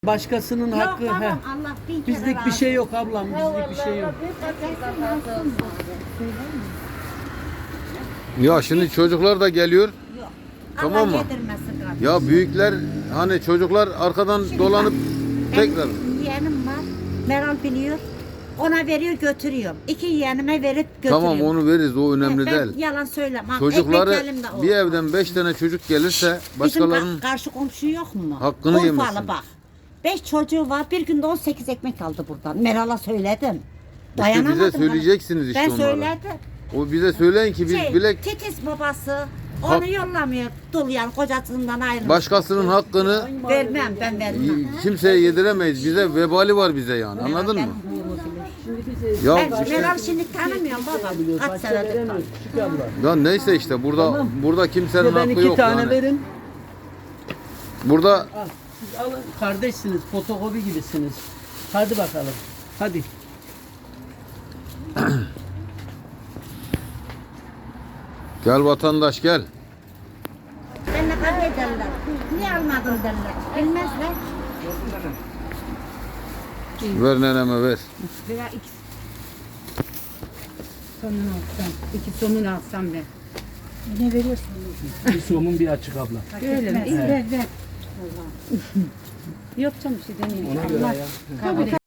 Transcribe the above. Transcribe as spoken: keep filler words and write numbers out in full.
Başkasının Yok hakkı. babam, He. Allah bin kere Bizlik bir razı şey yok ablam. Bizlik bir şey yok. Ya şimdi çocuklar da geliyor. Yok. Tamam Allah mı? yedirmesin kardeşim. Ya büyükler hani çocuklar arkadan Şimdi dolanıp bak, tekrar. benim yeğenim var. Meral biliyor. Ona veriyor götürüyorum. İki yeğenime verip götürüyorum. Tamam onu veririz, o önemli ben değil. yalan söylemem. Çocukları Ekmek elimde o. bir evden beş tane çocuk gelirse Bizim başkalarının ka- karşı komşu yok mu? hakkını Urfalı yemesin. bak. Beş çocuğu var. Bir günde on sekiz ekmek aldı buradan. Meral'a söyledim. işte Dayanamadım. bize söyleyeceksiniz işte Ben onlara. söyledim. O bize söyleyin ki biz Şey, bilek titiz babası. Onu Hak- yollamıyor. Dul yani kocasından ayrılmış. başkasının hakkını Vermem ben vermem. kimseye yediremeyiz. Bize vebali var bize yani. Anladın mı? Ya Ben işte Meral şimdi tanımıyorum baba. Kaç senedir tanıyorum. ya neyse işte burada burada kimsenin Ya ben hakkı iki yok tane yani. verin. Burada Al, siz alın. Kardeşsiniz. Fotokopi gibisiniz. Hadi bakalım. Hadi. gel vatandaş gel. Benimle kavga ederler. Niye almadın derler. Bilmezler. Ver neneme ver. Veya iki sonunu alsam. İki sonunu alsam ben. Ne veriyorsun? Bir somun bir açık abla. Öyle mi? Ver ver. Yok canım bir şey demiyorum. Ona göre ya.